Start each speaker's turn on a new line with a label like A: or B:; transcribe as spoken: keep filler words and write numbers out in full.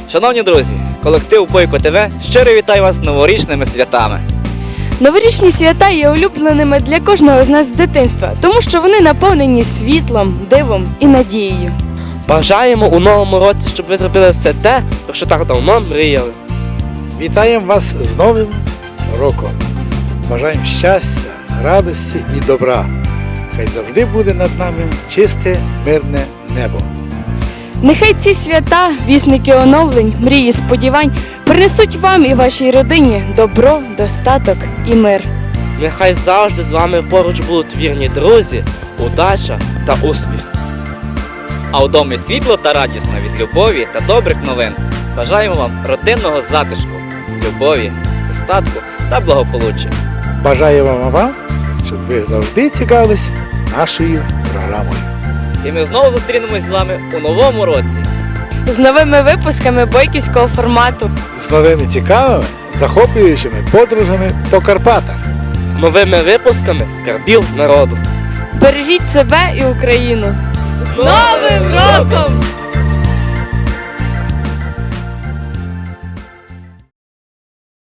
A: Шановні друзі, колектив Бойко ТВ щиро вітаю вас з новорічними святами.
B: Новорічні свята є улюбленими для кожного з нас з дитинства, тому що вони наповнені світлом, дивом і надією.
C: Бажаємо у новому році, щоб ви зробили все те, про що так давно мріяли.
D: Вітаємо вас з Новим роком. Бажаємо щастя, радості і добра. Хай завжди буде над нами чисте, мирне небо.
B: Нехай ці свята, вісники оновлень, мрії, сподівань принесуть вам і вашій родині добро, достаток і мир.
C: Нехай завжди з вами поруч будуть вірні друзі, удача та успіх.
A: А у домі світло та радісно від любові та добрих новин. Бажаємо вам родинного затишку, любові, достатку та благополуччя.
D: Бажаємо вам, щоб ви завжди цікавились нашою програмою.
A: І ми знову зустрінемось з вами у новому році.
B: З новими випусками бойківського формату.
D: З новими цікавими, захоплюючими подорожами по Карпатах.
C: З новими випусками скарбів народу.
B: Бережіть себе і Україну! З Новим роком!